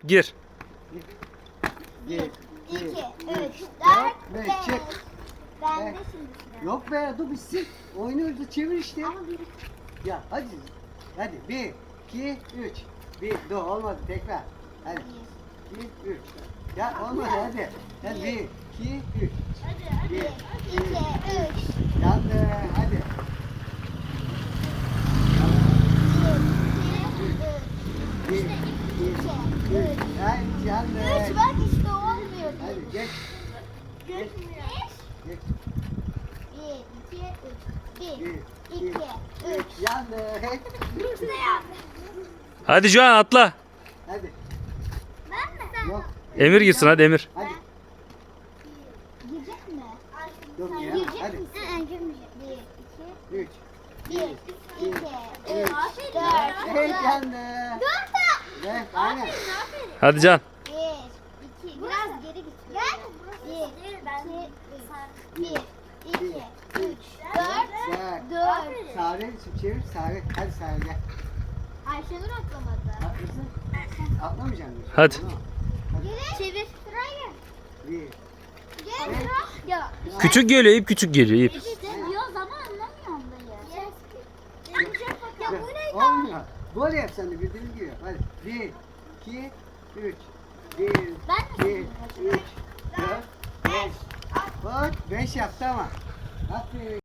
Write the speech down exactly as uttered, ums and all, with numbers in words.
Gir. Bir, iki, üç, dört, beş. Çek. Ben Evet. de şimdi sıra. Yok be, dur bitsin. Oynuyoruz da çevir işte. Ama bir Ya hadi. Hadi bir, iki, üç. Bir, dur olmadı tekrar. Hadi. Bir, üç. Ya olmadı hadi. Hadi bir, iki, üç. Bir, iki, iki, üç. yandı hadi. Bir, iki, üç. Hadi yandı. Üç bak işte olmuyor. Hadi geç. Beş. Geç. Bir, iki, üç. Bir, Bir, iki, iki, üç. üç. Yandı. İşte yandı. Hadi Can atla. Hadi. Ben mi? Yok. Emir gitsin hadi Emir. Hadi. Girecek mi? Yok Sen ya, girecek hadi. misin? Hı, girmeyecek. Bir, iki, Üç. bir, iki, üç, dört, Evet dört. yandı. Dört da. Evet aynen. Hadi Can. Bir, iki, biraz geri git. Gel. Bir, iki, üç. Bir, iki, üç, dört, Güzel. dört. Sare çevir. Sare. Hadi Sare gel. Ayşenur atlamadı. Atlasın. Atlamayacaksın. diyorsun. Hadi. Tamam. Geri. Çevir. Sıraya Bir. gel. Gel. Ya. Küçük geliyor ip küçük geliyor ip. İşte diyor ama anlamıyorum dayı. Ya bu ne? Olmuyor. Böyle yap sen de bildiğin gibi. Hadi. Bir, iki, üç. Bir, Ben mi iki, üç, dört, beş. Bak beş yaptı ama. Aferin.